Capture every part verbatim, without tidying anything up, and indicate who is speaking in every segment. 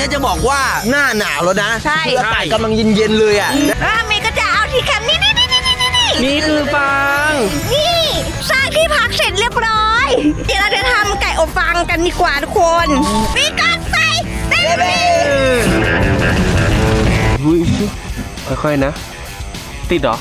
Speaker 1: นี้จะบอกว่าหน้าหนาวแล้วนะ
Speaker 2: ใช่
Speaker 1: คืออากาศกำลังเย็นๆเลยอ่ะ
Speaker 2: แล้วเมย์ก็จะเอาที่แคมป์นี่นี่นี่นี่นี่นี่
Speaker 3: นี่คือฟาง
Speaker 2: นี่สร้างที่พักเสร็จเรียบร้อยเดี๋ยวเราจะทำไก่อบฟางกันดีกว่าทุกคนมีการใส่เต้น
Speaker 3: อุ้ยค่อยๆนะ ติดเหรอ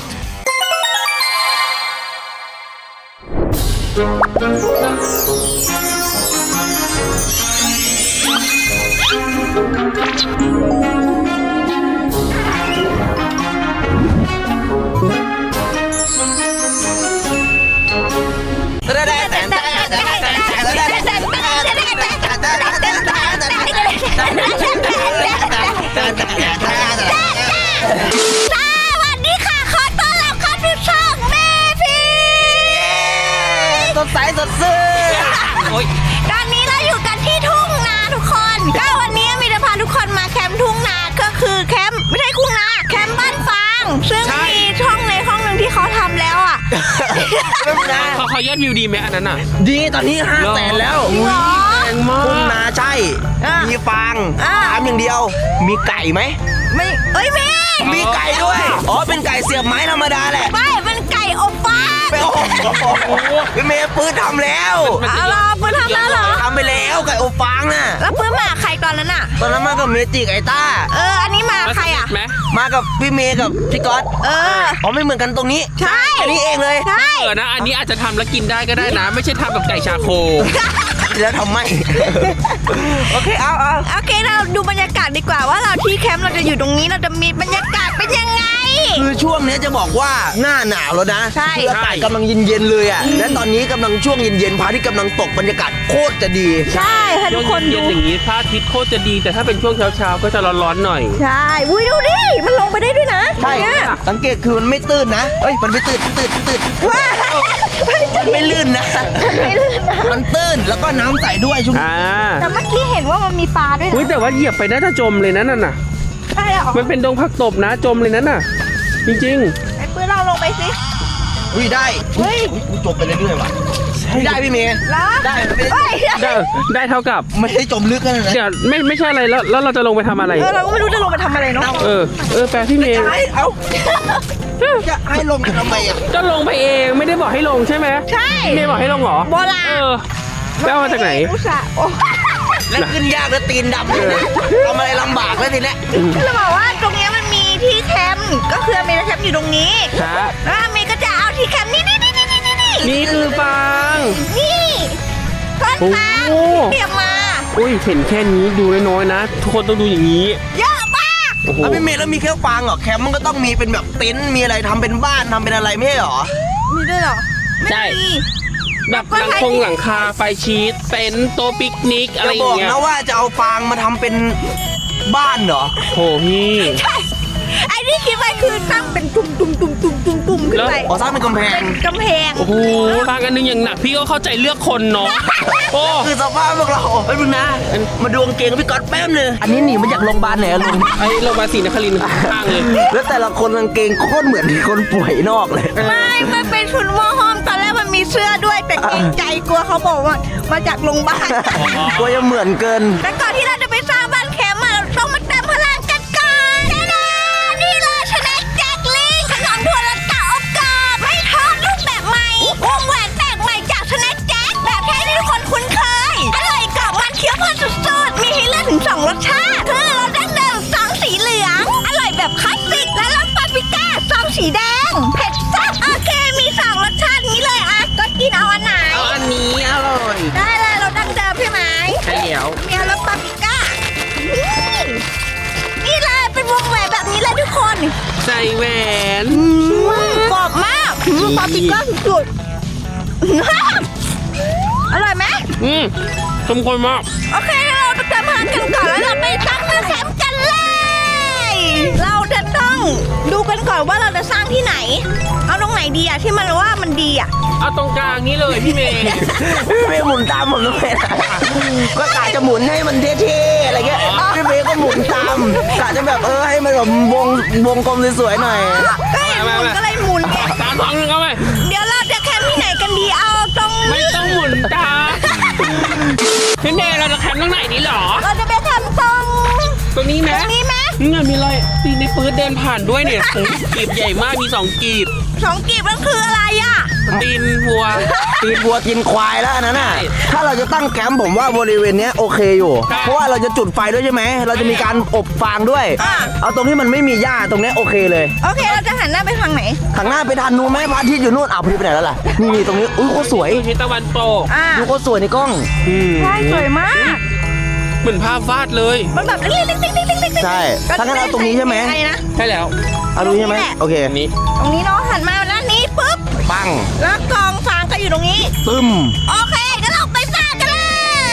Speaker 1: สดใสสดซื่น
Speaker 2: ตอนนี้เราอยู่กันที่ทุ่งนาทุกคนก็วันนี้มีจะพาทุกคนมาแคมป์ทุ่งนาก็คือแคมป์ไม่ใช่ทุ่งนาแคมป์บ้านฟางซึ่งมีช่องในห้องหนึ่งที่เขาทำแล้วอ่ะ
Speaker 3: เขาเขายอดวิวดีไหมอันนั้นอ่ะ
Speaker 1: ดีตอนนี้ห้าแสนแล้ว
Speaker 2: หรอ
Speaker 3: แรงมาก
Speaker 1: ทุ่งนาใช่
Speaker 2: อ่ะ
Speaker 1: มีฟาง
Speaker 2: อ่ะ
Speaker 1: ถามอย่างเดียว มีไก่ไหม
Speaker 2: ไม่เอ้ยเมย์
Speaker 1: มีไก่ด้วย อ๋อ เป็นไก่เสียบไม้ธรรมดาแหละ
Speaker 2: ไม่เป็นไก่อบฟาง
Speaker 1: ไปโอ้โหพี่เมย์ปื้นทำแล้ว
Speaker 2: เอาล่ะเพื่อนทำแล้วเหรอ
Speaker 1: ทำไปแล้วไก่อบฟางน่ะ
Speaker 2: แล้วเพื่อนมาใครตอนนั้นอ่ะ
Speaker 1: ตอนนั้นมากับเมจิกไอต้า
Speaker 2: เอออันนี้มาใครอ่ะ
Speaker 3: ไหม
Speaker 1: มากับพี่เมย์กับพี่ก๊อต
Speaker 2: เออ
Speaker 1: อ๋อไม่เหมือนกันตรงนี้
Speaker 2: ใช่
Speaker 1: อันนี้เองเลย
Speaker 2: ใช่
Speaker 3: เออนะ อันนี้อาจจะทำแล้วกินได้ก็ได้นะ ไม่ใช่ทำแบบไก่ชาโค
Speaker 1: แล้วทำไม โอเคเอาเอา
Speaker 2: โอเคเราดูบรรยากาศดีกว่าว่าเราที่แคมป์เราจะอยู่ตรงนี้เราจะมีบรรยากาศเป็นยังไง
Speaker 1: คือช่วงนี้จะบอกว่าหน้าหนาวแล้วนะ
Speaker 2: ใช่
Speaker 1: คืออากาศกำลังเย็นๆเลยอ่ะ และตอนนี้กำลังช่วงเย็นๆพระอาทิตย์กำลังตกบรรยากาศโคตรจะดี
Speaker 2: ใช่ให้ทุกคน
Speaker 3: เย็
Speaker 2: ดู
Speaker 3: นๆอย่างนี้พระอาทิตย์โคตรจะดี แต่ถ้าเป็นช่วงเช้าๆก็จะร้อนๆหน่อย
Speaker 2: ใช่อุ้ยดูดิมันลงไปได้ด้วยนะ
Speaker 1: ใช่
Speaker 2: เนี่ย
Speaker 1: สังเกตคือมันไม่ตื้นนะเอ้ย มันไม่ตื้นตื้นตื้น
Speaker 2: ว้า
Speaker 1: มันไม่ลื่นนะ
Speaker 2: ไม่ลื่นนะ
Speaker 1: มันตื้นแล้วก็น้ำใสด้วยชุ่ม
Speaker 3: อ่า
Speaker 2: แต่เมื่อกี้เห็นว่ามันมีปลาด้วย
Speaker 3: อุ้ย
Speaker 2: นะ
Speaker 3: แต่ว่าเหยียบไปน่าจะจมเลยนะนั่นน่ะ
Speaker 2: ใช่เหรอ
Speaker 3: มันเป็นดงผักตบนะ จมเลยนั่นน่ะ จริง
Speaker 2: ไอ้ปืนเราลงไปสิ
Speaker 1: อุ้ยได้
Speaker 2: เฮ้ย
Speaker 1: อุ๊ยจมไปเรื่อยๆว่ะไม่ได้พี่เมย์
Speaker 2: แล้ว
Speaker 1: ได้ไม่ได้
Speaker 2: เฮ้ย
Speaker 3: ๆ ได้ได้เท่ากับ
Speaker 1: ไม่ได้จมลึกขนาดนั้น
Speaker 3: เดี๋ยวไม่ไม่ใช่อะไรแล้วแล้วเราจะลงไปทำอะไร
Speaker 2: เออเราก็ไม่รู้จะลงไปทำอะไรเนาะ
Speaker 3: เออ เออแปลพี่เมย์
Speaker 1: จะให้เอาจะให้ลงทำไมอ่ะ
Speaker 3: ก็ลงไปเองไม่ได้บอกให้ลงใช่ไหไหม
Speaker 2: ใช่
Speaker 3: เมย์บอกให้ลงเหรอ
Speaker 2: โบราณ
Speaker 3: เออไปเอามาจากไหน
Speaker 2: อุตส่าห์โอ้
Speaker 1: แล้วขึ้นยากแล้วตีนดำเลยนะทำอะไรลำบากแล้วทีเนี้ย
Speaker 2: จะบอกว่าตรงเนี้ยมันมีที่แคมป์ก็คือมีแคมป์อยู่ตรงนี้
Speaker 3: ครับ
Speaker 2: แล้วเมย์ก็จะเอาที่แคมป์นี่นี่นี่นี่นี่นี่
Speaker 3: นี่คือฟาง
Speaker 2: นี่ต้นฟาง
Speaker 3: โอ้
Speaker 2: เตรียมมา
Speaker 3: อุ้ยเห็นแค่นี้ดูน้อยๆนะ ทุกคนต้องดูอย่างนี้
Speaker 2: เยอะมาก
Speaker 3: โอ้โห
Speaker 1: แล้วพี่เมย์แล้วมีแค่ฟางเหรอแคมป์มันก็ต้องมีเป็นแบบเต็นท์มีอะไรทำเป็นบ้านทำเป็นอะไรไม่ใช่เหรอ
Speaker 2: มีด้วยเหรอไม่
Speaker 3: ใช่
Speaker 2: มี
Speaker 3: แบบหลังคงหลังคาไฟชีสเต็นท์โต๊ะปิกนิกอะไร
Speaker 1: จะ
Speaker 3: อบ ย่า
Speaker 1: อง ก
Speaker 3: เงี้ย
Speaker 1: นะว่าจะเอาฟางมาทำเป็นบ้านเหรอ
Speaker 3: โหพี่
Speaker 2: ใช่ไอ้ที่คิดไว้คือตั้งเป็นตุ่มตุ่มตุ่มตุ่มตุ่มตุ่มขึ้นไป
Speaker 1: อ๋อสร้างเป็นกำแพง
Speaker 2: เป็นกำแพง
Speaker 3: โอ้โหฟางอันนึงอย่างหนักพี่ก็เข้าใจเลือกคนเนาะโอ้
Speaker 1: คือสภาพพวกเราไอ้ยมึงนะ มาดูกางเกงกับพี่ก๊อตแป๊บนึงอันนี้หนีมาจากโรงพยาบาลไหนอะลุง
Speaker 3: ไอโรงพยาบาลศรีนครินทร์ข้างเลย
Speaker 1: แล้วแต่ละคนกางเกงโคตรเหมือนคนป่วยนอกเลย
Speaker 2: ไม่มันเป็นชุดหม้อห้อมตอนแรกมันมีเสื้อด้วยแต่เกรงใจกลัวเขาบอกว่ามาจากโรงพยาบาล
Speaker 1: กลัวจะเหมือนเกิน
Speaker 2: แต่ก่อนที่เราจะไปสร้างบ้านแคมป์อะเราต้องมาเติมพลังกันก่อนแน่นอนนี่เลยชนะแจ็คลิงขนมถั่วลันเต่าอบกรอบไม่ทอดรูปแบบใหม่วงแหวนแปลกใหม่จากชนะแจ็คแบบแท้ที่ทุกคนคุ้นเคยอร่อยกรอบมันเคี้ยวเพลินสุดๆมีให้เลือกถึงสองรสชาติคือรสดั้งเดิมซองสีเหลืองอร่อยแบบคลาสสิกและรสปาปริก้าซองสีแดงเผ็ดแซ่บโอเคมีสองรสชาตินี้เลยอ่ะก็กินเอาอันไหน
Speaker 3: เอาอันนี้อร่อย
Speaker 2: ได้เลยรสดั้งเดิมใช่ไหม
Speaker 3: ใช่แล้ว
Speaker 2: มีรสปาปริก้านี่นี่เลยเป็นวงแหวนแบบนี้เลยทุกคน
Speaker 3: ใส่แหวน
Speaker 2: กรอบมากปาปริก้าสุดๆอร่อยไหม
Speaker 3: อืมสมควรมาก
Speaker 2: โอเคเราไปเติมพลังกันก่อนแล้วเราไปตั้งเนื้อแคมป์กันเลย เราจะต้องดูกันก่อนว่าเราจะสร้างที่ไหน เอาตรงไหนดีอะที่มันว่ามันดีอะ
Speaker 3: เอาตรงกลางนี้เลยพี่เมย์
Speaker 1: พี่เมย์หมุนตามผมด้วยนะก็กะจะหมุนให้มันเท่ๆอะไรเงี้ยพี่เมย์ก็หมุนตามกะจะแบบเออให้มันแบบวงวงกลมสวยๆหน่อย
Speaker 2: ก็เห็นหมุนก็เลยหมุน
Speaker 3: ตามท้องนึงเข้าไป
Speaker 2: เดี๋ยวเราจะแคมป์ที่ไหนกันดีเอาตรง
Speaker 3: ไม่ต้องหมุนตามพี่เมย์เราจะแคมป์ตรงไหนดีหรอ
Speaker 2: เราจะไปแคมป์ตรง
Speaker 3: ตรงนี้
Speaker 2: ต
Speaker 3: นะ
Speaker 2: รงนี้ไหม
Speaker 3: นี่ไงมีรอยตีในปืนเดินผ่านด้วยเนี่ยโอ้โหกีบใหญ่มากมีสองกีบ
Speaker 2: สองกีบมันคืออะไรอ่ะ
Speaker 3: ตีนวัว
Speaker 1: ตีนวัวกินควายแล้วอันนั้นน่ะ
Speaker 3: ใช่
Speaker 1: ถ้าเราจะตั้งแคมป์ผมว่าบริเวณเนี้ยโอเคอยู่
Speaker 3: ใช่
Speaker 1: เพราะว่าเราจะจุดไฟด้วยใช่ไหม เราจะมีการอบฟางด้วย
Speaker 2: อ่า
Speaker 1: เอาตรงที่มันไม่มีหญ้าตรงเนี้ยโอเคเลย
Speaker 2: โอเคเราจะหันหน้าไปทางไหน
Speaker 1: ทางหน้าไปทานนูนไหมพระอาทิตย์อยู่นู่นอ้าวพระอาทิตย์ไปไหนแล้วล่ะ นี่นี่ตรงนี้ อุ้ยโคตรสวย
Speaker 3: ทิศตะวันตก
Speaker 2: อ่า
Speaker 1: ดูโคตรสวยในกล้อง
Speaker 3: อืม
Speaker 2: ใช่สวยมาก
Speaker 3: เหมือนภาพวาดเลย
Speaker 2: มันแบบติ๊งติ๊งติ๊งติ๊งติ๊งติ๊ง
Speaker 1: ใช่ถ้างั้นเอาตรงนี้ใช่ไหม
Speaker 2: อะไรนะ
Speaker 3: ใช่แล้ว
Speaker 1: เอาดูใช่ไหม
Speaker 2: ตรงนี้แหละ
Speaker 1: โอเค
Speaker 3: อันนี้
Speaker 2: ตรงนี้เนาะหันมาด้านนี้ปุ๊บ
Speaker 1: ปัง
Speaker 2: แล้วกองฟางก็อยู่ตรงนี้
Speaker 1: ตึม
Speaker 2: โอเคงั้นเราไปสร้างกันเลย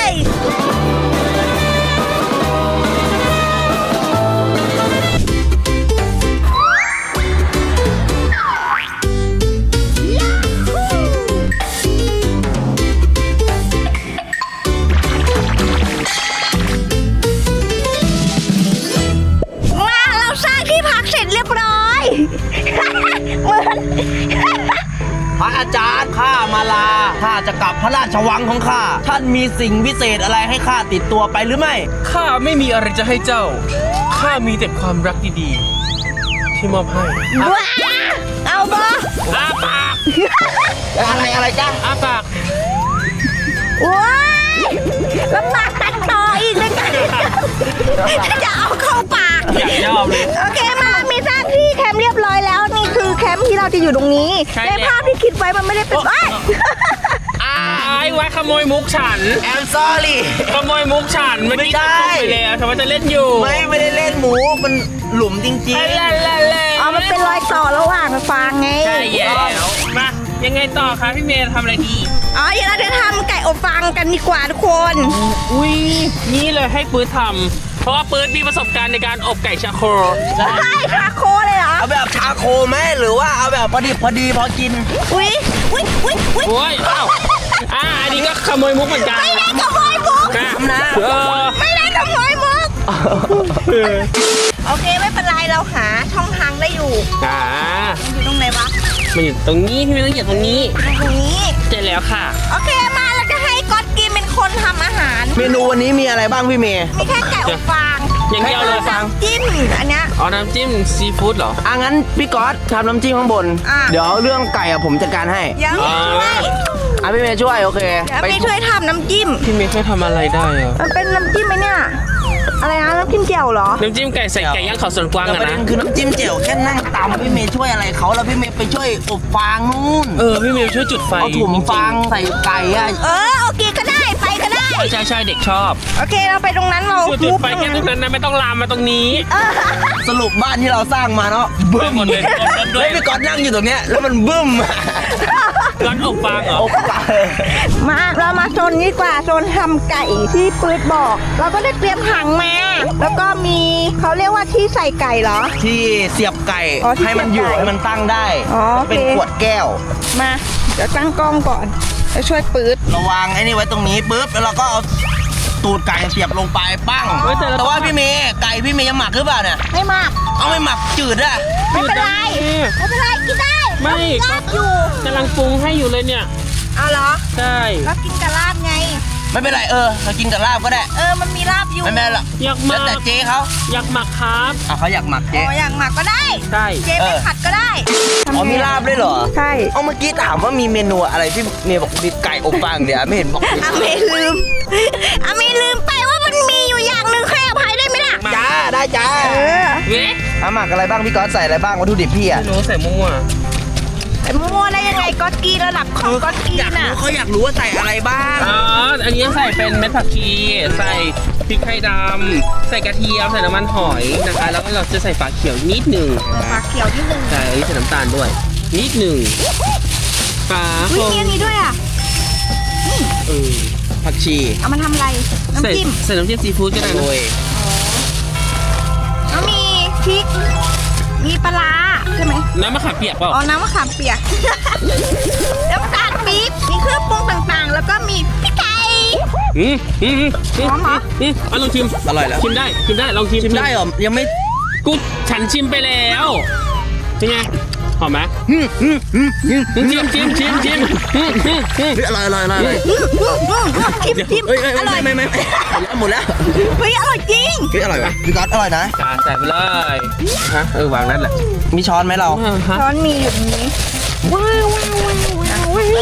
Speaker 2: มาเราสร้างที่พักเสร็จเรียบร้อย เหมือน
Speaker 1: พระอาจารย์ข้ามาลา ข้าจะกลับพระราชวังของข้า ท่านมีสิ่งพิเศษอะไรให้ข้าติดตัวไปหรือไม่
Speaker 3: ข้าไม่มีอะไรจะให้เจ้า ข้ามีแต่ความรักดีๆ ที่มอบให้
Speaker 2: ว้าเอาบอ
Speaker 3: อ้าปาก
Speaker 1: อะไรอะไรจ้า
Speaker 3: อ้าปาก
Speaker 2: ว้ายลำบากตัดต่ออีกเลยกันจะเอาเข้าปาก
Speaker 3: อยากยอบเลย
Speaker 2: โอเคมามีสร้างที่แคมป์เรียบร้อยแล้วนี่คือแคมป์ที่เราจะอยู่ตรงนี้
Speaker 3: ใช่
Speaker 2: ใน
Speaker 3: แล้ว
Speaker 2: ภาพที่คิดไว้มันไม่ได้เป็นไอ้ย
Speaker 3: อ้ายไว้ขโมยมุกฉัน
Speaker 1: แอมซอรี่
Speaker 3: ขโมยมุกฉันเมื่อกี้
Speaker 1: ไม่ได้
Speaker 3: ตกไปแล้วฉันว่าจะเล่นอยู่
Speaker 1: ไม่ไม่ได้เล่นหมู มันหลุมจริง
Speaker 3: เล่นเล่นเล่นเล่น
Speaker 2: อ๋อมันเป็นรอยต่อระหว่างฟางไง
Speaker 3: ใช่แล้วมายังไงต่อคะพี่เมย์ทำอะไรดี
Speaker 2: อ๋อเดี๋ยวเราจะทำไก่อบฟางกันดีกว่าทุกคน
Speaker 3: อุ้ยนี่เลยให้ปื๊ดทำเพราะว่าปื๊ดมีประสบการณ์ในการอบไก่ชาโคร
Speaker 2: ใช่ชาโคเลยเหรอ
Speaker 1: ๆ เอาแบบชาโคไหมหรือว่าเอาแบบพอดีพอดีพอกิน
Speaker 2: อุ้ยอุ้ยอุ้ยอุ้ย
Speaker 3: โอ้ยอ้าวอ่าอันนี้ก็ขโมยมุกเหมือนกัน
Speaker 2: ไม่ได้ขโมยมุก
Speaker 3: นะ
Speaker 1: นะ
Speaker 3: เออ
Speaker 2: ไม่ได้ขโมยมุก โอเคไม่เป็นไรเราหาช่องทางได้อยู่
Speaker 3: อ่า
Speaker 2: อยู่ตรงไหนวะ
Speaker 3: มันอยู่ตรงนี้พี่เมย์ต้องเหยียบตรงนี้
Speaker 2: ตรงนี้
Speaker 3: เสร็จแล้วค่ะ
Speaker 2: โอเคมาเราจะให้ก๊อตกินเป็นคนทำอาหาร
Speaker 1: เมนูวันนี้มีอะไรบ้างพี่เมย์
Speaker 2: มีแค่ไก่อบฟาง
Speaker 3: อย่างเดียวเลย
Speaker 2: น้ำจิ้มอันเนี้ย
Speaker 3: อ๋อน้ำจิ้มซีฟู้ดเหรอ
Speaker 1: อ่ะงั้นพี่ก๊อตทำน้ำจิ้มข้างบน
Speaker 2: อ่ะ
Speaker 1: เดี๋ยวเรื่องไก่อะผมจัดการให้
Speaker 2: ยังไม่ช่วย
Speaker 1: อ่ะพี่เมย์ช่วยโอเค
Speaker 2: เดี๋ยวไม่ช่วยทำน้ำจิ้ม
Speaker 3: พี่เมย์เคยทำอะไรได้อะ
Speaker 2: มันเป็นน้ำจิ้มไหมเนี่ย อะไรนะน้ำจิ้มเจียวเหรอ
Speaker 3: น้ำจิ้มไก่ใส่ไก่ย่างเขาสวนกวาง
Speaker 1: แต่
Speaker 3: อะ
Speaker 1: ประเด็
Speaker 3: นะ
Speaker 1: นคือน้ำจิ้มเจียวแค่นั่งตำพี่เมย์ช่วยอะไรเขาแล้วพี่เมย์ไปช่วยอบฟางนู่น
Speaker 3: เออพี่เมย์ช่วยจุดไฟ
Speaker 1: เอาถุงฟางใส่ไก่อะ
Speaker 2: เออโอเคก็ได้ไปก็ได้
Speaker 3: ใช่ใช่ใช่เด็กชอบ
Speaker 2: โอเคเราไปตรงนั้นเรา
Speaker 3: จุดจุดไฟแค่ตรงนั้นนะไม่ต้องลามมาตรงนี้
Speaker 2: เออ
Speaker 1: สรุปบ้านที่เราสร้างมาเนาะ
Speaker 3: เบิ้มหมดเลย
Speaker 1: เฮ้ยพี่ก๊อตนั่งอยู่ตรงเนี้ยแล้วมันบึ้ม
Speaker 3: ร้อนอบฟางเหรอ
Speaker 1: อบฟาง
Speaker 2: มาเรามาโซนนี้ดีกว่าโซนทำไก่ที่ปืดบอก เราก็ได้เตรียมถังมา แล้วก็มีเขาเรียกว่าที่ใส่ไก่เหรอ
Speaker 1: ที่เสียบไก่
Speaker 2: อ๋อที่
Speaker 1: ให้มันอยู่
Speaker 2: เสียบไก่
Speaker 1: ให้มันตั้งได้
Speaker 2: อ๋อโอเค
Speaker 1: เป็นขวดแก้ว
Speaker 2: มาเดี๋ยวตั้งกล้องก่อนแล้วช่วยปืด
Speaker 1: เราวางไอ้นี่ไว้ตรงนี้ปุ๊บแล้วเราก็เอาตูดไก่เสียบลงไปปั้ง
Speaker 3: เฮ้ยแต่เรา
Speaker 1: แต่ว่าพี่เมย์ไก่พี่เมย์ยังหมักหรือเปล่าเนี่ย
Speaker 2: ไม่มาก
Speaker 1: เอาไม่หมักจืดอะ
Speaker 2: ไม่เป็นไรไม่เป็นไรกินได้
Speaker 3: ไม่
Speaker 2: ลาบอยู่
Speaker 3: กำลังปรุงให้อยู่เลยเนี่ย
Speaker 2: เอาเหรอ
Speaker 3: ใช่
Speaker 2: แล้วกินกับลาบไง
Speaker 1: ไม่เป็นไรเออเรากินกับลาบก็ได้
Speaker 2: เออมันมีลาบอยู่
Speaker 1: ไม่เป็นไรหรอก
Speaker 3: อยากห
Speaker 1: แล้
Speaker 3: มั
Speaker 1: วแต่
Speaker 3: ก
Speaker 1: เจ๊เขา
Speaker 3: อยากหมักครับ
Speaker 1: อ่ะเขาอยากหมัก
Speaker 2: อ๋
Speaker 1: เจ๊
Speaker 2: ออย่างหมักก็ได้
Speaker 3: ใช่
Speaker 2: เจ๊ไม่
Speaker 1: เออ
Speaker 2: ผัดก็ได้
Speaker 1: อ๋อมีลาบด้วยเหรอ
Speaker 2: ใช่
Speaker 1: เอาเมื่อกี้ถามว่ามีเมนูอะไรที่เมย์บอกมีไก่อบฟางเดี๋ยวไม่เห็นบอก
Speaker 2: อาเมลืมอาเมลืมไปว่ามันมีอยู่อย่างหนึ่งให้อภัยได้ไหมล่ะ
Speaker 1: จ้าได้จ้า
Speaker 2: เออ
Speaker 3: เว้ย
Speaker 1: เอาหมักอะไรบ้างพี่ก๊อตใส่อะไรบ้างวัตถุดิบพี่อะ
Speaker 3: ไม่รู้ใส่มั่ว
Speaker 2: ไอ้มั่วได้ยังไงก๊อตกีระดับของก๊อตกี
Speaker 1: อยาก
Speaker 2: น่ะ
Speaker 1: รู้เขาอยากรู้ว่าใส่อะไรบ้าง
Speaker 3: อ๋ออันนี้ใส่เป็นเม็ดผักชีใส่พริกไทยดำใส่กระเทียมใส่น้ำมันหอยนะคะแล้วก็เราจะใส่ฝาเขียวนิดหนึ่ง
Speaker 2: ปลาเขียวนิดนึง
Speaker 3: ใส่ใส่น้ำตาลด้วย นิดหนึ่งฝา
Speaker 2: อุ้
Speaker 3: โค
Speaker 2: ยมีอันนี้ด้วยอ่ะ
Speaker 3: เออ
Speaker 1: ผักชี
Speaker 2: เอามาทำอะไร
Speaker 3: ใส่
Speaker 2: น้ำจิ้ม
Speaker 3: ใส่น้ำจิ้มซีฟู้ดก็ได้
Speaker 1: โร
Speaker 3: นะ
Speaker 1: ย
Speaker 2: แล้วมีพริก มีปลาร้าใช่ไหม
Speaker 3: น้ำมะขามเปียกเปล่า
Speaker 2: อ๋อ น้ำมะขามเปียก น้ำตาลปี๊บ มีเครื่องปรุงต่างๆ แล้วก็มีพริกไทย
Speaker 3: อืมอืมอืมอืม
Speaker 2: หอมเหรอ
Speaker 3: อืมเอาลองชิม
Speaker 1: อร่อยแล้ว
Speaker 3: ชิมได้ชิมได้ลองชิม
Speaker 1: ชิมได้เหรอยังไม่
Speaker 3: กูฉันชิมไปแล้วเป็นไงหอมไหม
Speaker 1: อืมอืมอืมอืม
Speaker 3: ชิมชิมชิมชิมอืมอืมอืม
Speaker 1: เฮ้ยอร่อยอร่อยอร่อยอร่อย
Speaker 2: ชิมชิม
Speaker 1: เฮ้ยเฮ้ย
Speaker 2: อร่อย
Speaker 1: ไม่ไม่ไม่หมดแล้ว
Speaker 2: เฮ้ยอร่อยจริง
Speaker 1: เฮ้ยอร่อยปะพี่ก๊อตอร่อยนะ
Speaker 3: อ่าใส่ไปเลยฮะเออวางนั่นแหละ
Speaker 1: มีช้อนไหมเรา
Speaker 3: อ่าฮะ
Speaker 2: ช้อนมีอยู่ตรงนี้ว้าวว้าวว้าวว้าวว้าว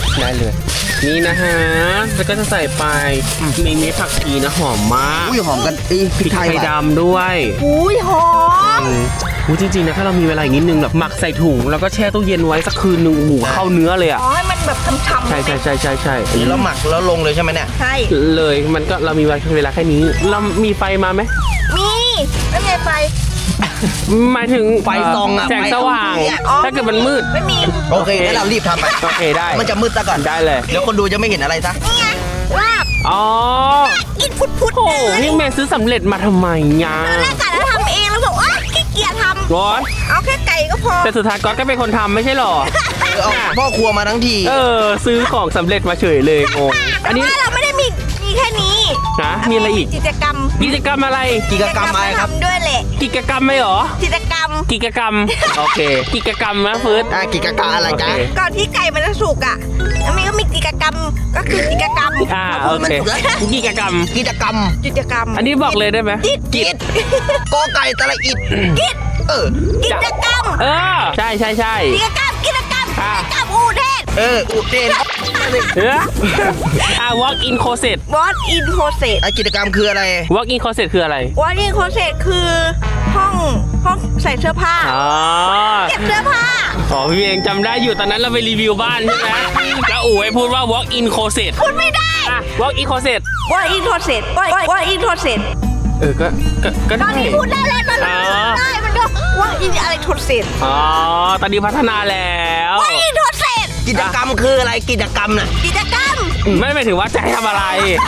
Speaker 3: ได้เลย นี่นะฮะแล้วก็จะใส่ไปมีเม็ดผักชีนะหอมมาก
Speaker 1: อุ้ยหอมกันไอ้พริกไทย
Speaker 3: ไทย
Speaker 1: ว่ะ
Speaker 3: ดำด้วย
Speaker 2: อุ้ยหอม
Speaker 3: อืมอู้จริงๆนะถ้าเรามีเวลาอีกนิดนึงแบบหมักใส่ถุงแล้วก็แช่ตู้เย็นไว้สักคืนนึงโอ้โหเข้าเนื้อเลยอ่ะ
Speaker 2: อ๋อให้มันแบบช่ำๆ
Speaker 3: ใช่ใช่ใช่ใช่ใช่
Speaker 1: อันนี้เราหมักแล้วลงเลยใช่ไหมเนี่ย
Speaker 2: ใช่
Speaker 3: เลยมันก็เรามีเวลาแค่นี้เรามีไฟมาไหม
Speaker 2: มีแล้วไงไฟ
Speaker 3: หมายถึง
Speaker 1: ไฟส่องอะ
Speaker 3: แสงสว่าง
Speaker 1: ไฟส่อง
Speaker 2: อ๋อ
Speaker 3: ถ้าเกิดมันมืด
Speaker 2: ไม่มี
Speaker 1: โอเคงั้นเรารีบทำไป
Speaker 3: โอเคได้
Speaker 1: มันจะมืดซะก่อน
Speaker 3: ได้เลย
Speaker 1: เดี๋ยวคนดูจะไม่เห็นอะไรซะ
Speaker 2: นี่ไงลาบ
Speaker 3: อ๋อ
Speaker 2: กินพุดๆ
Speaker 3: โอ้
Speaker 2: เลย
Speaker 3: นี่แม่ซื้อสำเร็จมาทำไมยา
Speaker 2: ตอนแรกกะจะทำเองแล้วบอกว่าขี้เกียจท
Speaker 3: ร้อย
Speaker 2: ำเอาแค่ไก่ก็พอ
Speaker 3: แต่สุดท้ายก๊อตก็เป็นคนทำไม่ใช่หรอ
Speaker 1: เอาพ่อครัวมาทั้งที
Speaker 3: เออ ซื้อของสำเร็จมาเฉยเลยงง
Speaker 2: แต่
Speaker 3: อันนี้
Speaker 2: ว่าเราไม่ได้มีมีแค่นี้
Speaker 3: นะมีอะไรอีก
Speaker 2: กิจกรรม
Speaker 3: กิจกรรมอะไร
Speaker 1: กิจกรรมอะไรครับ
Speaker 2: ทำด้วยแหละ
Speaker 3: กิจกรรมไหมหรอ
Speaker 2: กิจกรรม
Speaker 3: กิจกรรม โอเค กิจกรรมนะเฟิร์ส
Speaker 1: อ่ะกิจกรรมอะไรจ๊ะ
Speaker 3: โอเค
Speaker 2: ก่อนที่ไก่มันจะสุกอ่ะแล้วมันก็มีกิจกรรมก็คือกิจกรรม
Speaker 3: อ่าโอเคกิจกรรม
Speaker 1: กิจกรรม
Speaker 2: กิจกรรม
Speaker 3: อันนี้บอกเลยได้ไหม
Speaker 2: กิจ
Speaker 1: กิจกอไก่ตะละอิด
Speaker 2: กิจ
Speaker 1: เออ
Speaker 2: กิจกรรม
Speaker 3: เออ ใช่ใช่ใช่
Speaker 2: กิจกรรมกิจกรรม
Speaker 3: อ่า
Speaker 2: กิจกรรมอูเทศ
Speaker 1: เอออุเทน
Speaker 3: เอออ่า walk in closet
Speaker 2: What in process
Speaker 1: ไอกิจกรรมคืออะไร
Speaker 3: walk in closet คืออะไร
Speaker 2: What in process คือห้องห้องใส่เสื้อผ้า
Speaker 3: อ๋อ
Speaker 2: เก็บเสื้อผ้า
Speaker 3: อ๋อพี่เองจำได้อยู่ตอนนั้นเราไปรีวิวบ้านใช่ไหมแล้วอู๋ให้พูดว่า walk in closet
Speaker 2: พูดไม่ได้
Speaker 3: อ่ะ walk in closet
Speaker 2: What in process What What in process
Speaker 3: เออ ก็ ก็ก็
Speaker 2: ตอ
Speaker 3: ได้
Speaker 2: นนี้พูดได้แล้วตอนนี้
Speaker 3: อ๋อ
Speaker 2: ได้มันก็ What in อะไร process
Speaker 3: อ๋อ ตอนนี้พัฒนาแล้ว
Speaker 2: What in process
Speaker 1: กิจกรรมคืออะไรกิจกรรมน่ะ
Speaker 2: กิจกรรม
Speaker 3: ไม่หมายถึงว่าจะให้ทำอะไร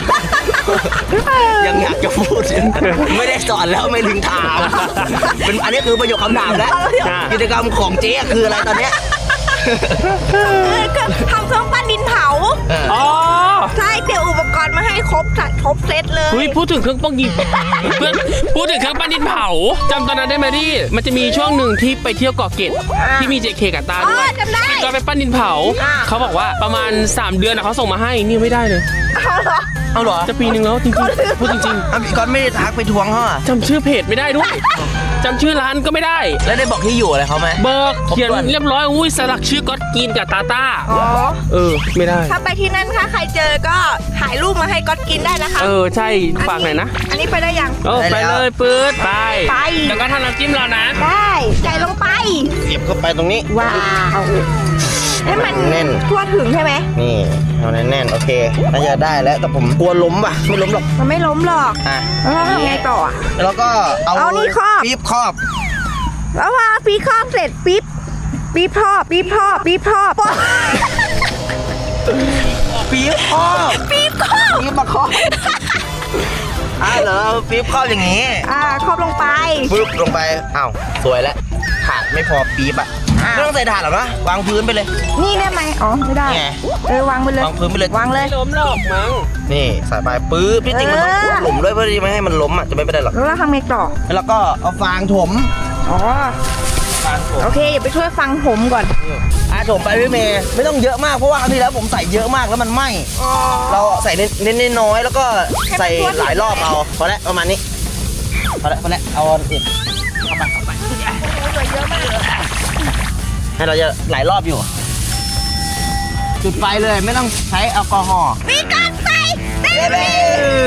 Speaker 1: ยังอยากจะพูด ไม่ได้สอนแล้วไม่ถึงถามเป็นอันนี้คือประโยคคำถามแล้ว
Speaker 3: อ่ะ
Speaker 1: กิจกรรมของเจ๊คืออะไรตอนเนี้ย
Speaker 2: เออก็ทำเครื่องปั้นดินเผา
Speaker 1: เออ
Speaker 3: อ๋อ
Speaker 2: ใช่เตรียมอุปกรณ์มาให้ครบครบเซตเลย
Speaker 3: เฮ้ยพูดถึงเครื่องป้องยิงเพื่อนพูดถึงเครื่องปั้นดินเผาจำตอนนั้นได้ไหมที่มันจะมีช่วงหนึ่งที่ไปเที่ยวเกาะเกร็ดที่มี เจ เค กับตา
Speaker 2: อ๋
Speaker 3: ด้ว
Speaker 2: อย จำได้
Speaker 3: ก็ไปปั้นดินเผา
Speaker 2: อ่า
Speaker 3: เขาบอกว่าประมาณสามเดือนนะเขาส่งมาให้นี่ไม่ได้เลย
Speaker 2: เอาเหรอ
Speaker 1: เอาเหรอ
Speaker 3: จะปีนึงแล้วจริงๆพูดจริง
Speaker 1: อ่ะพี่ก๊อตไม่ได้ทักไปทวงเขาอ่ะ
Speaker 3: ๆจำชื่อเพจไม่ได้ด้วยจำชื่อร้านก็ไม่ได้
Speaker 1: แล้วได้บอกที่อยู่อะไรเขาไหม
Speaker 3: เบิก
Speaker 1: ครบ
Speaker 3: เขียน
Speaker 1: ถ้วน
Speaker 3: เรียบร้อยอุ้ยสลักชื่อก๊อตกินกับตาต้า
Speaker 2: อ๋อ
Speaker 3: เออไม่ได้
Speaker 2: ถ้าไปที่นั่นถ้าใครเจอก็ถ่ายรูปมาให้ก๊อตกินได้นะคะ
Speaker 3: เออใช่ฝากหน่อยนะ
Speaker 2: อันนี้ไปได้ยัง
Speaker 3: เออไปเลยปื๊ดไป
Speaker 2: ไป
Speaker 3: แล้วก็ทำน้ำจิ้มเรานะ
Speaker 2: ได้ใจลงไป
Speaker 1: เก็บเข้าไปตรงนี้
Speaker 2: ว้าวให้มัน
Speaker 1: แน่น
Speaker 2: ทั่วถึงใช่ไหม
Speaker 1: นี่เอาแน่นๆโอเคน่าจะได้แล้วแต่ผมกลัวล้มป่ะไม่ล้มหรอก
Speaker 2: มันไม่ล้มหรอก
Speaker 1: อ่ะ
Speaker 2: แล้วเราทำไงต่ออ่ะ
Speaker 1: แล้วก็เอา
Speaker 2: เอานี่ครอบ
Speaker 1: ปี๊บครอบ
Speaker 2: แล้วพอปีครอบเสร็จปิ๊บปีบท่อปีบท่อปีบท่อปะ
Speaker 1: ปี๊บครอบ
Speaker 2: ปีบครอบ
Speaker 1: ปี๊บมาครอบอ่ะเหรอปี๊บครอบอย่างงี้
Speaker 2: อ่าครอบลงไป
Speaker 1: ปึ๊บลงไปอ้าวสวยแล้วถาดไม่พอปี๊บอ่ะ
Speaker 2: อ่ะ
Speaker 1: ไม่ต้องใส่ถาดหรอกนะวางพื้นไปเลย
Speaker 2: นี่ได้ไหมอ๋อไม่ได้
Speaker 1: ไง
Speaker 2: เออวางไปเลยว
Speaker 1: างพื้นไปเลย
Speaker 2: วางเลย
Speaker 3: ไม่ล้มหรอกมั้ง
Speaker 1: นี่ใส่ไปปึ๊บที่จริงมันต้อง
Speaker 2: เออ
Speaker 1: หลุมด้วยเพื่อที่ไม่ให้มันล้มอ่ะจะไม่เป็นไรหรอก
Speaker 2: แล้วเราทำไงต่อ
Speaker 1: แล้วก็เอาฟางถม
Speaker 2: อ๋อ
Speaker 1: ฟางถม
Speaker 2: โอเคเดี๋ยวไปช่วยฟังผมก่อน
Speaker 1: อ่ะถมไปพี่เมย์ไม่ต้องเยอะมากเพราะว่าครั้งที่แล้วผมใส่เยอะมากแล้วมันไหม้
Speaker 2: อ๋อ
Speaker 1: เราใส่เน้นๆน้อยๆแล้วก็ใส่หลายรอบเอาพอแล้วประมาณนี้พอแล้วพอแล้วเอาอีกเข้าไปเข้าไปให้เราจะหลายรอบอยู่ จุดไฟเลยไม่ต้องใช้แอลกอฮอล์
Speaker 2: มีการไฟเต้
Speaker 1: เบ้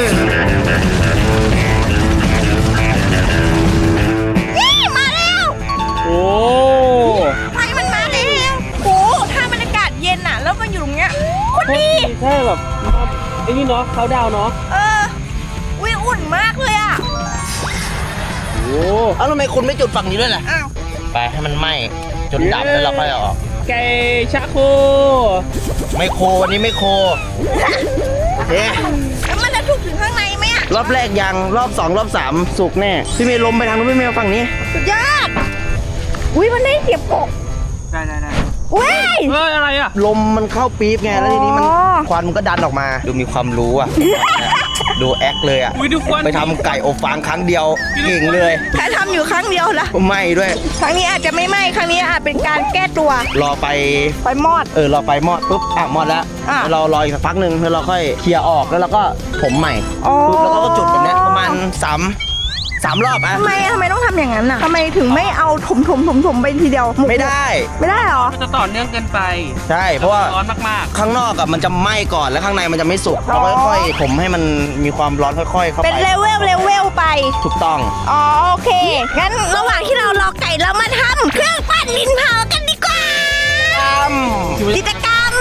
Speaker 2: นี่มาแล้ว
Speaker 3: โอ้
Speaker 2: ไฟมันมาแล้วโอ้ถ้าบรรยากาศเย็นอ่ะ แล้วมันอยู่ตรงเนี้ยโคนดี
Speaker 3: ใช่แบบไอ้นี่เนาะเขาดาวเนาะ
Speaker 2: เออวิอุ่นมากเลยอ่ะ
Speaker 3: โอ้
Speaker 1: เอ้าทำไมคุณไม่จุดฝั่งนี้ด้วยล่ะ
Speaker 2: อ้าว
Speaker 1: ไปให้มันไหม้จนดับแล้วเราค่อยเอาออก
Speaker 3: ไก่ชาโค
Speaker 1: ไม่โควันนี้ไม่โคเอ๊ะ
Speaker 2: แล้วมันจะถูกถึงข้างในไหมอ่ะ
Speaker 1: รอบแรกยังรอบสองรอบสามสุกแน่พี่เมย์ลมไปทางนู้นพี่เมย์เอาฝั่งนี้
Speaker 2: สุดยอดอุ้ยมันได้เสียบกบ
Speaker 3: ได้ได้ได้
Speaker 2: อุ้ย
Speaker 3: เฮ้ยอะไรอ่ะ
Speaker 1: ลมมันเข้าปี๊บไงแล้วทีนี้มัน
Speaker 2: อ๋อ
Speaker 1: ควันมันก็ดันออกมา ดูมีความรู้อ่ะดูแอคเลยอ่ะ
Speaker 3: อุ้ยดูควัน
Speaker 1: ไปทำไก่อบฟางครั้งเดียวเก่งเลย
Speaker 2: แค่ทำอยู่ครั้งเดียวละ
Speaker 1: ไม่ด้วย
Speaker 2: ครั้งนี้อาจจะไม่ไหม้ครั้งนี้อาจเป็นการแก้ตัว
Speaker 1: รอไป
Speaker 2: ไฟมอด
Speaker 1: เออรอไปมอดปุ๊บอ่ะมอดแล้ว
Speaker 2: อ่ะ
Speaker 1: เรารออีกสักพักหนึ่งแล้วเราค่อยเคลียร์ออกแล้วเราก็ผมใหม่
Speaker 2: อ๋อ
Speaker 1: ปุ๊บแล้วก็จุดแบบเนี้ยประมาณสามสามรอบอ่ะ
Speaker 2: ทำไมทำไมต้องทำอย่างนั้นอ่ะทำไมถึงไม่เอาถมถมถมถมไปทีเดียวหก
Speaker 1: ไม่ได้
Speaker 2: ไม่ได้เหรอ
Speaker 3: มันจะต่อเนื่องเกินไป
Speaker 1: ใช่เพราะว่า
Speaker 3: ร้อนมาก
Speaker 1: ข้างนอกอะมันจะไหม้ก่อนแล้วข้างในมันจะไม่สุกเราค่อยๆผมให้มันมีความร้อนค่อยๆเข้าไป
Speaker 2: เป็นเลเวลเลเวลไป
Speaker 1: ถูกต้อง
Speaker 2: อ๋อโอเค งั้นระหว่างที่เรารอไก่เรามาทำเครื่องปั้นดินเผากันดีกว่า กิจกรรม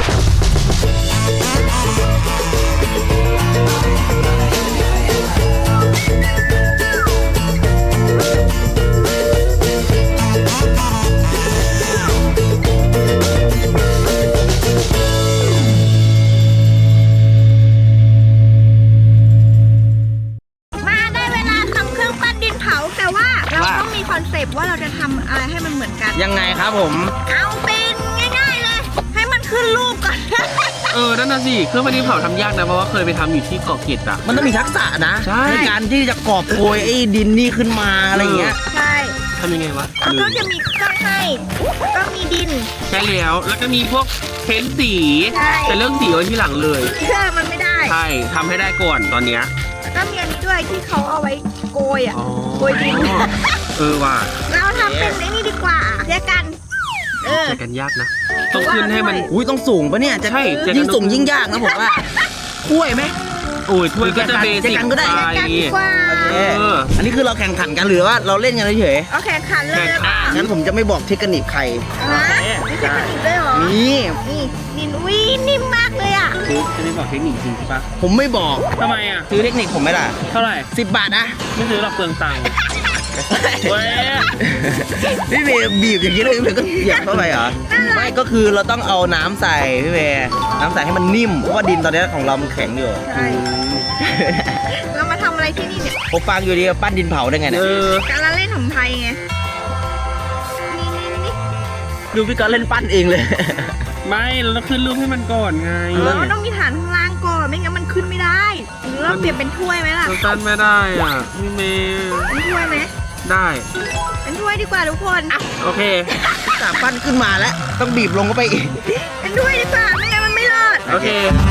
Speaker 2: มาได้เวลาทำเครื่องปั้นดินเผาแต่ว่าเราต้องมีคอนเซปต์ว่าเราจะทำอะไรให้มันเหมือนกัน
Speaker 1: ยังไงครับผม
Speaker 2: เอาเป็นง่ายๆเลย ให้มันขึ้นรูปก่อน
Speaker 3: ๆ เออ นั่นน่ะสิ เครื่องปั้นดินเผาทำยากนะ เพราะว่าเคยไปทำอยู่ที่เกาะเกร็ดอะ
Speaker 1: มันต้องมีทักษะนะ
Speaker 3: ใช่
Speaker 1: การที่จะกอบโกยไอ้ดินนี่ขึ้นมาอะไรอย่างเงี้ย
Speaker 2: ใช่
Speaker 3: ทำยังไงวะ
Speaker 2: แล้ว
Speaker 3: ลื
Speaker 2: ก็
Speaker 3: ม
Speaker 2: จะมีเครื่องให้ก็มีดิน
Speaker 3: ใช่แล้ว แล้วก็มีพวกเพ้นสี
Speaker 2: ใช่
Speaker 3: แต่เรื่องสีไว้ที่หลังเลย
Speaker 2: เชื่อมันไม่ได้
Speaker 3: ใช่ทำให้ได้ก่อนตอนเนี้ย
Speaker 2: แล้วก็มีอันนี้ด้วยที่เขาเอาไว้โกยอ่ะ
Speaker 3: อ๋อ
Speaker 2: โกยดิน
Speaker 3: เออว่ะ
Speaker 2: เราทำเป็นไอ้นี่ดีกว่าเรียกกัน เออ
Speaker 3: แต่กันยากนะ ต้องขึ้นให้มัน
Speaker 1: อุ้ยต้องสูงปะเนี่ยจะ
Speaker 3: ใช่จะ
Speaker 1: ยิ่งสูงยิ่งยากนะผมว่าถ้วยไหม
Speaker 3: โอ้ยถ้วยก็จะเบสิก
Speaker 1: เจอกันก็ได้
Speaker 3: ไป
Speaker 2: กันดีกว่า
Speaker 3: เออ
Speaker 1: อันนี้คือเราแข่งขันกันหรือว่าเราเล่นกันเฉย
Speaker 2: โอเคขันเลย
Speaker 3: แข่งขั
Speaker 2: นะ
Speaker 1: ๆงั้นผมจะไม่บอกเทคนิคใคร
Speaker 2: ฮะไม่ใช่กระดิ่งด้วยเหรอ
Speaker 1: นี่
Speaker 2: นี่ดินอุ้ยนิ่มมากเลยอ่ะ
Speaker 3: คือจะไม่บอกเทคนิคจริงใช่ปะ
Speaker 1: ผมไม่บอก
Speaker 3: ทำไมอ่ะ
Speaker 1: ซื้อเทคนิคผมไหมล่ะ
Speaker 3: เท่าไหร่
Speaker 1: สิบบาทนะ
Speaker 3: ไม่ซื้อหรอกเปลืองตังค์ เว้ย
Speaker 1: พี่เมย์บีบอย่างนี้เลยพี่เมย์ก็เหยียบเข้าไปเหรอ ไม่ก็คือเราต้องเอาน้ำใส่พี่เมย์น้ำใส่ให้มันนิ่มเพราะว่าดินตอนนี้ของเรามันแข็งอยู่
Speaker 2: ใช่ เรามาทำอะไรที่นี่เนี่ย
Speaker 1: ผมฟังอยู่ดีปั้นดินเผาได้ไง
Speaker 3: เอ
Speaker 1: เนี่ย
Speaker 3: อ
Speaker 2: การละเล่นของไทยไง นี่นี่นี่
Speaker 1: ดูพี่ก็เล่นปั้นเองเลย
Speaker 3: ไม่เราต้องขึ้นรูปให้มันก่อนไง
Speaker 2: เออมันต้องมีฐานข้างล่างก่อน ไม่งั้นมันขึ้นไม่ได้ หรือเราเปลี่ยนเป็นถ้วยไหมล่ะ
Speaker 3: เราตั้นไม่ได้อ่ะพี่เมย์
Speaker 2: เป็นถ้วยไหม
Speaker 3: ได้
Speaker 2: เป็นถ้วยดีกว่าทุกคน
Speaker 3: โอเค
Speaker 1: สามปั้นขึ้นมาแล้ว ต้องบีบลงเข้าไปอีก
Speaker 2: เป็นถ้วยดีกว่า ไม่งั้นมันไม่รอด
Speaker 3: โอเค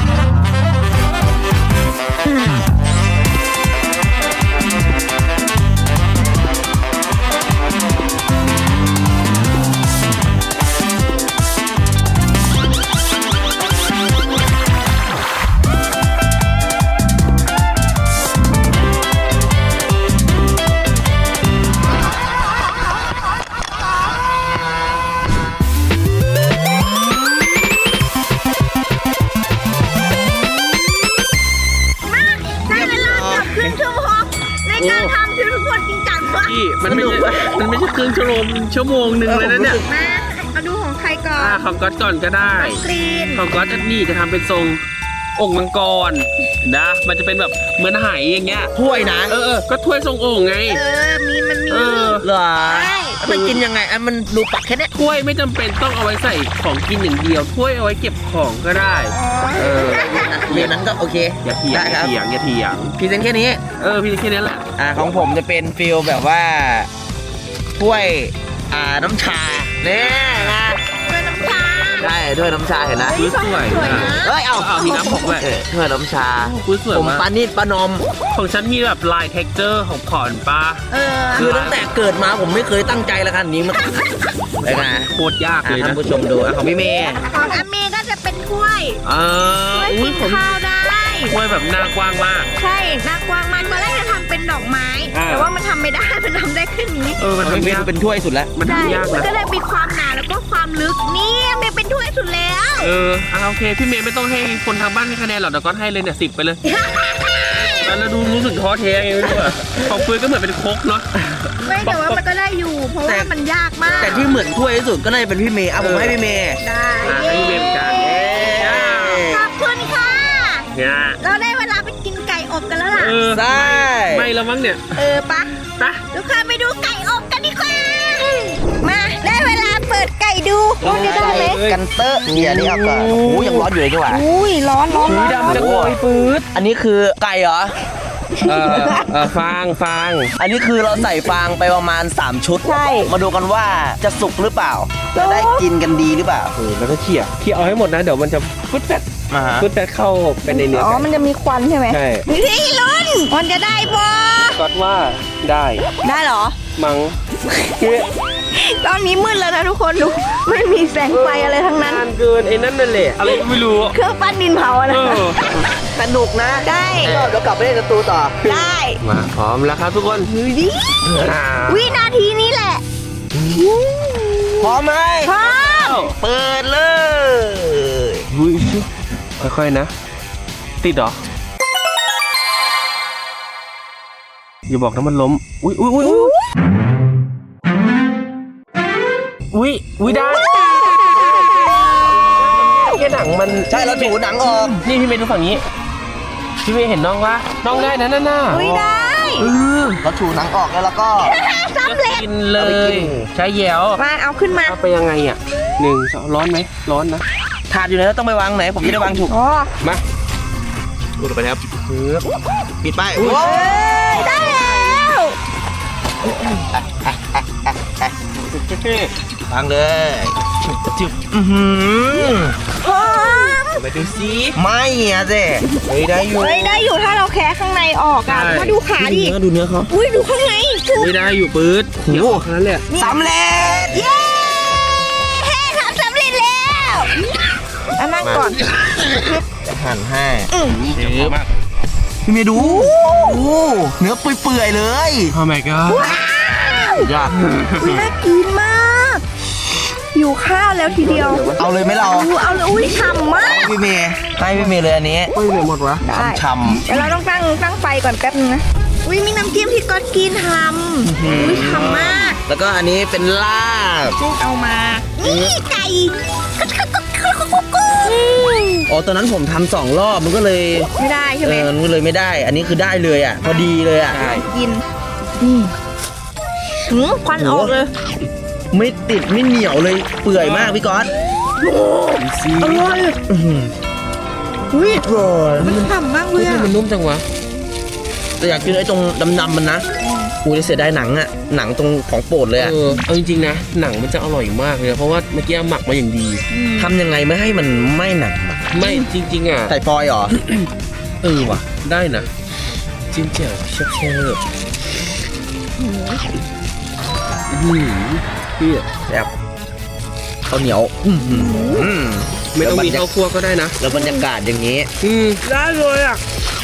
Speaker 2: มาได้เวลาเกือบครึ่งชั่วโมงในการทำที่ทุกคนจริงจังมาก
Speaker 3: พี่มันไม่ใช่มันไม่ใช่ครึ่งชั่วโมงชั่วโมงหนึ่งเลยนะเนี่ย
Speaker 2: มามาดูของใครก่อ
Speaker 3: อ่าน ของก๊อตก่อนก็ได้
Speaker 2: กรีน
Speaker 3: ของก๊อตอันนี้จะทำเป็นทรงองค์มังกรนะ มันจะเป็นแบบเหมือนไหอย่างเงี้ย
Speaker 1: ถ้วยนะ
Speaker 3: เออเออก็ถ้วยทรงโอ่งไง
Speaker 2: เออ มีมันมี
Speaker 3: เออ
Speaker 1: เหรอ
Speaker 2: ใช่
Speaker 1: แล้วมันกินยังไงอ่ะมันดูปักแค่เนี้ย
Speaker 3: ถ้วยไม่จำเป็นต้องเอาไว้ใส่ของกินอย่างเดียว ถ้วยเอาไว้เก็บของก็ได้ เออ
Speaker 1: เรียนนั้นก็โอเค
Speaker 3: อย่าเถียง
Speaker 1: ได้
Speaker 3: อ
Speaker 1: ค
Speaker 3: ย่า
Speaker 1: รับ
Speaker 3: เถียงอย่าเถียง
Speaker 1: พรีเซนต์แค่นี้
Speaker 3: เออพี่แค่นี้แหละ
Speaker 1: อ่าของผมจะเป็นฟิลแบบว่าถ้วยอ่าน้ำชาเนี่ยนะ
Speaker 2: เพื่อนน้ำชา
Speaker 1: ใช่ถ้วยน้ำชาเห็นนะ
Speaker 3: อุ๊ยสวย
Speaker 2: สวย
Speaker 3: นะ
Speaker 2: นะ
Speaker 1: เอ้ยเอา
Speaker 3: เอามีน้ำหกด้วย
Speaker 1: เออถ้วยน้ำชา
Speaker 3: อุ้ยสวย
Speaker 1: ผม
Speaker 3: มาก
Speaker 1: ปานิดปานอม
Speaker 3: ของฉันมีแบบลาย texture ของขอนปลา
Speaker 2: เออ
Speaker 1: คือตั้งแต่เกิดมาผมไม่เคยตั้งใจละคันนี้มาเลยนะ
Speaker 3: โคตรยาก
Speaker 1: อ่ะ
Speaker 3: เลย
Speaker 1: ท่า
Speaker 3: นะ
Speaker 1: นผู้ชมดูอ่ะของพี่เมย์
Speaker 2: ของอาเมก็จะเป็นถ้วย
Speaker 3: อ่า
Speaker 2: ถ้วย
Speaker 3: อุ้
Speaker 2: กิ
Speaker 3: ย
Speaker 2: น
Speaker 3: ของ
Speaker 2: ข้าวได้
Speaker 3: ถ้วยแบบหน้ากว้างมาก
Speaker 2: ใช่หน้ากว้างมากตอนแรกจะทำเป็นดอกไม้
Speaker 3: อ่า
Speaker 2: แต่ว่ามันทำไม่ได้ มันทำได้แค่นี้
Speaker 3: เออมัน
Speaker 1: ของพี่เม
Speaker 3: ทำ
Speaker 1: ย์
Speaker 3: ยาก
Speaker 1: เป็นถ้วยสุดแล้ว
Speaker 3: มัน
Speaker 2: ใช่
Speaker 3: ทำยาก
Speaker 2: มัน
Speaker 3: นะ
Speaker 2: ก็เลยมีความหนาแล้วก็ความลึกนี่เมย์เป็นถ้วยสุดแล้ว
Speaker 3: เอออ่ะโอเค พี่เมย์ไม่ต้องให้คนทางบ้านให้คะแนนหรอกเดี๋ยวก็ให้เลยเนี่ยสิบไปเลย แล้วดูรู้สึกท้อแท้ไงไม่รู้อ่ะของเฟื่อยก็เหมือนเป็นโคกเนาะ
Speaker 2: ไม่แต่ว่ามันก็ได้อยู่ เพราะว่ามันยากมาก
Speaker 1: แต่ที่เหมือนถ้วยที่สุดก็น่าจะเป็นพี่เมย์อ่ะผมให้พี่เมย์
Speaker 2: ได้
Speaker 3: อ่ะให้พี่เมย์เป็นการเย้
Speaker 2: ขอบคุณค่ะ
Speaker 3: เนี่ย
Speaker 2: เราได้เวลาไปกินไก่อบกันแล้วล่ะ
Speaker 3: เออ
Speaker 1: ใช่
Speaker 3: ไม่แล้วมั้งเนี่ย
Speaker 2: เออปะ
Speaker 3: ไปะ
Speaker 2: ทุกคนไปดูไก่อบกันดีกว่า มาได้เวลาเปิดไก่ก่ดูว่าจะได้ไหม
Speaker 1: กันเตอร์เดี๋ยวนี้เอาก่อนโอ้โหยังร้อนอยู่เลยดีกว่า
Speaker 2: อุ้ยร้อนร้อนร้อน
Speaker 3: ดำจังเลยปื๊ด
Speaker 1: อันนี้คือไก่เหรอ
Speaker 3: เออเออฟางฟาง
Speaker 1: อันนี้คือเราใส่ฟางไปประมาณสามชุด
Speaker 2: ใช่
Speaker 1: มาดูกันว่าจะสุกหรือเปล่า จะได้กินกันดีหรือเปล่า
Speaker 3: เออแล้วก็เขี่ยเขี่ยเอาให้หมดนะเดี๋ยวมันจะฟุดแฟด
Speaker 1: มาฮะ
Speaker 3: ฟุดแฟดเข้าไปในเนื้อ
Speaker 2: อ๋อ
Speaker 3: ไก่
Speaker 2: มันจะมีควันใช่ไหม
Speaker 3: ใช่
Speaker 2: พี่ลุ้นมันจะได้บ่
Speaker 3: ก็ว่าได้
Speaker 2: ได้เหรอ
Speaker 3: มั้ง
Speaker 2: ตอนนี้มืดแล้วนะทุกคนดูไม่มีแสงไฟอะไรทั้งนั้น
Speaker 3: นานเกินไอ้นั่นนั่นแหละอะไรก็ไม่รู้
Speaker 2: เครื่องปั้นดินเผาอะ
Speaker 3: เอ
Speaker 2: นะ
Speaker 3: อ
Speaker 1: สนุกนะ
Speaker 2: ได้
Speaker 1: ก็เดี๋ยวกลับไปเล่นประตูต่อ
Speaker 2: ได้
Speaker 3: มาพร้อมแล้วครับทุกคน
Speaker 2: ดูดิ
Speaker 3: อ่า
Speaker 2: วินาทีนี้แหละ
Speaker 1: พร้อมไหม
Speaker 2: พร้อม
Speaker 1: เปิดเลย
Speaker 3: อุ้ยค่อยๆนะ ติดเหรออย่าบอกนะมันล้มอุ้ยอุ้ยอุ้ยอุ้ยอุ้ยอุ้ยได้แค่หนังมัน
Speaker 1: ใช่เราถูหนังออก
Speaker 3: นี่พี่เมย์ดูฝั่งนี้พี่เมย์เห็นน้องปะน้องได้นะนั่นน่ะ
Speaker 2: อุ้ยได้
Speaker 3: เออ
Speaker 1: เราถูหนังออกแล้วแล้วก็
Speaker 2: สำเร็จ
Speaker 3: กินเล
Speaker 1: เอาไปกิ
Speaker 3: ย
Speaker 1: น
Speaker 3: ใช้แยว
Speaker 2: มาเอาขึ้นมา
Speaker 3: เอาไปยังไงอ่ะหนึ่งสองร้อนไหมร้อนนะ
Speaker 1: ถาดอยู่ไหนแล้วต้องไปวางไหน ผมจะได้วางถูก
Speaker 2: อ๋อ
Speaker 3: มา
Speaker 1: ดูไปครับ
Speaker 3: เออ
Speaker 1: ปิดไป
Speaker 3: อุ๊ย
Speaker 1: โอ้
Speaker 2: เอ้ยได้แล้ว
Speaker 1: วางเลยจุ๊บอือหือ
Speaker 2: พร้อม
Speaker 3: ไปดูซิ
Speaker 1: ไม่อะเจ๊เฮ้ยได้อยู่
Speaker 2: เฮ้ยได้อยู่ถ้าเราแคะข้างในออกอ่ะ
Speaker 3: ใช่
Speaker 2: มาดูขาดิ
Speaker 1: เนื้อดูเนื้อเขา
Speaker 2: อุ้ยดูข้างในจุ๊บ
Speaker 3: ไม่ได้อยู่ปื๊ด
Speaker 1: โอ้โห
Speaker 3: เดี๋ยวออกแค่นั้นแหละ
Speaker 1: สำเร็จ
Speaker 2: เย้ทำสำเร็จแล้วอันนั่งก่อน
Speaker 1: หั่นให้
Speaker 3: เดี๋ยวมาก
Speaker 1: พี่เมย์ดูโอ้เนื้อเปื่อยๆเลย
Speaker 3: โอ้ my god
Speaker 1: ยาก
Speaker 2: อุ้ยน่ากินมากอยู่ข้าวแล้วทีเดียว
Speaker 1: เอาเลยไหมเรา
Speaker 2: อู้เอาเลยอุ้ยฉ่ำมาก
Speaker 1: พี่เมย์ให้พี่เมย์เลยอันนี้
Speaker 3: เฮ้ยเหลือหมดวะ
Speaker 2: ได้
Speaker 1: ช่ำ
Speaker 2: เดี๋ยวเราต้องตั้งตั้งไฟก่อนแป๊บนึงนะอุ้ยมีน้ำจิ้มที่ก๊อตกินทำอุ้ยฉ่ำมาก
Speaker 1: ๆแล้วก็อันนี้เป็นลาบ
Speaker 2: เอามา นี่ไก่
Speaker 1: อ๋อตอนนั้นผมทำสองรอบมันก็เลย
Speaker 2: ไม่ได้ใช่
Speaker 1: เอ
Speaker 2: ไหม
Speaker 1: อมันก็เลยไม่ได้ อันนี้คือได้เลยอ่ะ พอดีเลยอ่ะ
Speaker 2: กินนี่หืมควันออกเลย
Speaker 1: ไม่ติดไม่เหนียวเลย เปื่อยมากพี่ก๊อต
Speaker 3: ซี
Speaker 2: อร่อย
Speaker 1: อื้อหือ
Speaker 2: อุ้ย
Speaker 1: อร่อย
Speaker 2: มันฉ่ำมากเล
Speaker 3: เฮ้ย
Speaker 2: ย
Speaker 3: ทำไม
Speaker 2: อะ
Speaker 3: มันนุ่มจังวะ
Speaker 1: แต่อยากกินไอ้ตรงดำๆมันนะกูจะเสียดายหนังอ่ะ หนังตรงของโปรดเลยอ่ะ
Speaker 3: เออเอาจริงๆนะหนังมันจะอร่อยมากเลยนะเพราะว่าเมื่อกี้หมักมาอย่างดี
Speaker 1: ทำยังไงไม่ให้มันไม่หนังอะ
Speaker 3: ไม่จริงๆอ่ะ
Speaker 1: ใส่ฟอยล์เหรอ
Speaker 3: เออว่ะได้นะจิ้มแจ่วเชฟเชฟอืมพี่
Speaker 1: แบบข้าวเหนียวอื้อหือ
Speaker 3: ไม่ต้องมีข้าวคั่วก็ได้นะ
Speaker 1: แล้วบรรยากาศอย่างนี้
Speaker 3: อืมได้เลยอ่ะ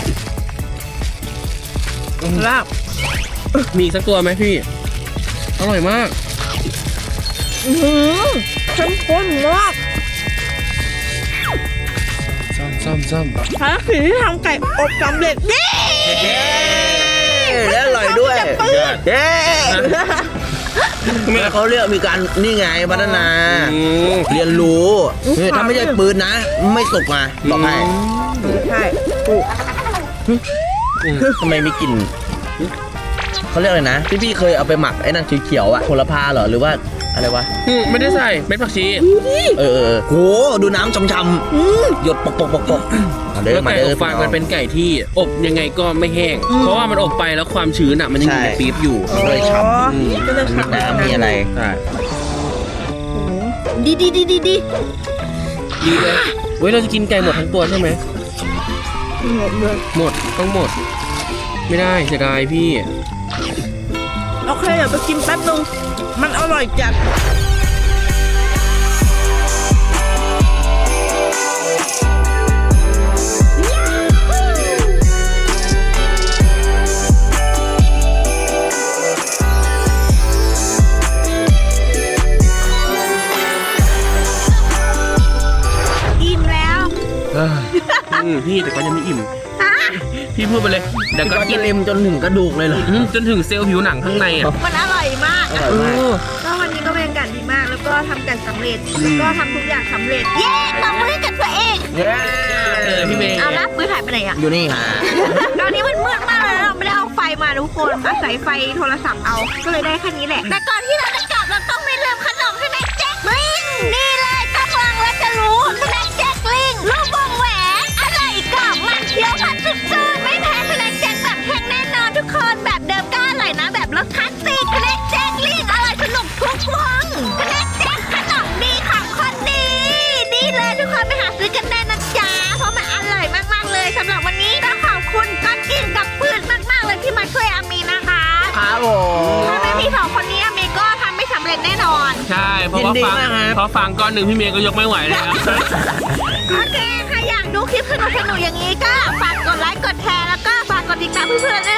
Speaker 3: ลาบมีอีกสักตัวไหมพี่อร่อยมาก
Speaker 2: อื้อหือเข้มข้นมาก
Speaker 3: ซ่อมซ่อมซ่อม
Speaker 2: ภารกิจที่ทำไก่อบสำเร็จนี่
Speaker 1: เย้แล้วอร่อยด้วยเย้เขาเรียกมีการนี่ไงพัฒนา
Speaker 3: อืม
Speaker 1: เรียนรู้นี่ถ้าไม่ใช่ปืนนะ ไม่สุกมาบอกให้
Speaker 2: ใช่
Speaker 1: ทำไมมีกลิ่นเขาเรียกอะไรนะพี่พี่เคยเอาไปหมักไอ้นั่นเขียวๆอะโหระพาเหรอหรือว่าอะไรวะ
Speaker 3: อืมไม่ได้ใส่เม็ดผักชี
Speaker 1: เออเออโหดูน้ำช่ำๆหยดปกปกปกปกมาเด้
Speaker 3: แล้
Speaker 1: อ
Speaker 3: ว
Speaker 1: มา
Speaker 3: ไก่
Speaker 1: เด้
Speaker 3: อ
Speaker 1: อบ
Speaker 3: ฟางมันเป็นไก่ที่อบยังไงก็ไม่แห้ง เพราะว่ามันอบไปแล้วความชื้นอ่ะมันยังอยู่ในปี๊บอยู่
Speaker 1: เลยฉ่
Speaker 3: อืม
Speaker 2: ก็เลย
Speaker 1: ำมี
Speaker 2: ฉ่ำ
Speaker 1: น้ำมีอะไร
Speaker 3: ใช่
Speaker 2: ดีดีดีดีดี
Speaker 3: ดีเลยเว้ยเราจะกินไก่หมดทั้งตัวใช่ไหมหมดต้องหมด ไม่ได้เสียดายพี่
Speaker 2: โอเคเดี๋ยวไปกินแป๊บนึงมันอร่อยจัดอิ่มแล้ว
Speaker 3: อืมพี่แต่ก็ยังไม่อิ่ม พี่พูดไปเลยเดี๋ยว
Speaker 1: ก็
Speaker 3: ก็
Speaker 1: กิ
Speaker 3: กิ
Speaker 1: น
Speaker 3: น
Speaker 1: เล็มจนถึงกระดูกเลยเหรอ
Speaker 3: อืมจนถึงเซลล์ผิวหนังข้างในอ่ะ
Speaker 2: มันอร่อยมาก
Speaker 1: อร่อยมาก
Speaker 2: ก็วันนี้ก็บรรยากาศดีมาก แล้วก็ทำกันสำเร็จ แล้วก็ทำทุกอย่างสำเร็จ เย้ตบมือให้กับตัวเอง
Speaker 1: เย้
Speaker 3: เออพี่เมย์
Speaker 2: เอาละปืนหายไปไหนอะ
Speaker 1: อยู่นี่ค่ะ
Speaker 2: ตอนนี้มันมืดมากเลยนะเราไม่ได้เอาไฟมาทุกคนอาศัยไฟโทรศัพท์เอา ก็เลยได้แค่นี้แหละ แต่ก่อนที่เราจะกลับเราต้องไม่ลืมขนมใช่ไหมแจ็คนี่ผัดสุดๆไม่แพ้สแน็คแจ็คแบบแห้งแน่นอนทุกคนแบบเดิมก็อร่อยนะแบบรสคลาสสิกสแน็คแจ็คลิงอร่อยสนุกทุกวงสแน็คแจ็คขนมดีของคนดีดีเลยทุกคนไปหาซื้อกันได้นะจ๊ะเพราะมันอร่อยมากๆเลยสำหรับวันนี้ต้องขอบคุณก้อนกินกับปืนมากๆเลยที่มาช่วยอามีนะคะ
Speaker 1: ครับผม
Speaker 2: ถ้าไม่มีสองคนนี้อามีก็ทำไม่สำเร็จแน่นอน
Speaker 3: ใช่เพราะว่าฟังเพราะฟังก้อนหนึ่งพี่เมย์ก็ยกไม่ไหวแล้ว
Speaker 2: โอเคถ้าอยากดูคลิปสนุกๆอย่างนี้ก็ฝากกดไลค์กดแชร์แล้วก็ฝากกดติดตามเพื่อนๆด้วย